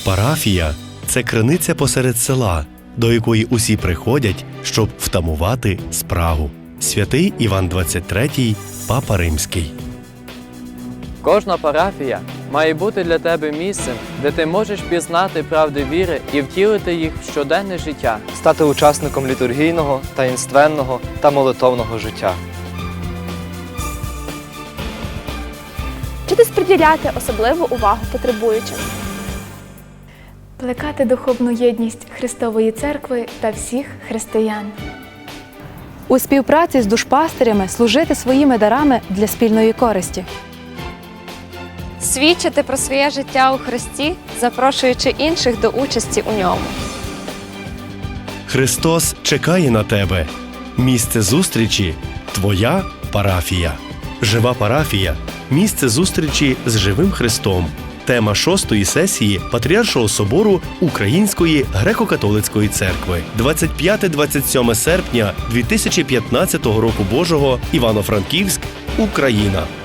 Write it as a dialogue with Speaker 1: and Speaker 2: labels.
Speaker 1: Парафія – це криниця посеред села, до якої усі приходять, щоб втамувати спрагу. Святий Іван XXIII, Папа Римський.
Speaker 2: Кожна парафія має бути для тебе місцем, де ти можеш пізнати правди віри і втілити їх в щоденне життя.
Speaker 3: Стати учасником літургійного, таїнственного та молитовного життя.
Speaker 4: Вчитись приділяти особливу увагу потребуючим.
Speaker 5: Плекати духовну єдність Христової Церкви та всіх християн.
Speaker 6: У співпраці з душпастирями служити своїми дарами для спільної користі.
Speaker 7: Свідчити про своє життя у Христі, запрошуючи інших до участі у ньому.
Speaker 1: Христос чекає на тебе. Місце зустрічі – твоя парафія. Жива парафія – місце зустрічі з живим Христом. Тема 6-ї сесії Патріаршого собору Української греко-католицької церкви. 25-27 серпня 2015 року Божого, Івано-Франківськ, Україна.